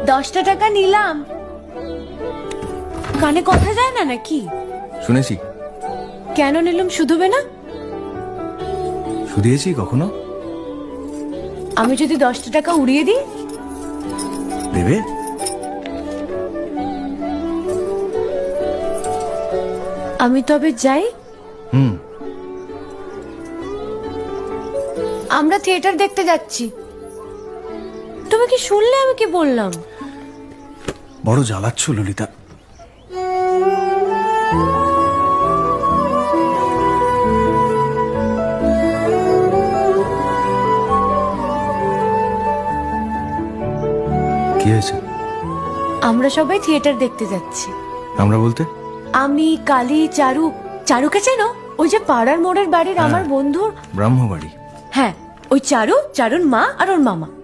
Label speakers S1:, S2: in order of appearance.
S1: 10টা টাকা নিলাম। কানে কথা যায় না নাকি?
S2: শুনেছি।
S1: কেন নিলাম? শুধুবে না?
S2: শুধিয়েছি কখনো?
S1: আমি যদি 10টা টাকা উড়িয়ে দিই?
S2: দেবে?
S1: আমি তবে যাই। আমরা থিয়েটার দেখতে যাচ্ছি। তুমি কি শুনলে আমি কি বললাম?
S2: বড় জ্বালাচ্ছ ললিতা। কি হয়েছে?
S1: আমরা সবাই থিয়েটার দেখতে যাচ্ছি।
S2: আমরা বলতে?
S1: আমি, কালী, চারু। চারুকে চেনো? ওই যে পাড়ার মোড়ের বাড়ির আমার বন্ধুর
S2: ব্রাহ্মবাড়ি।
S1: হ্যাঁ, ওই চারু, চারুর মা আর ওর মামা।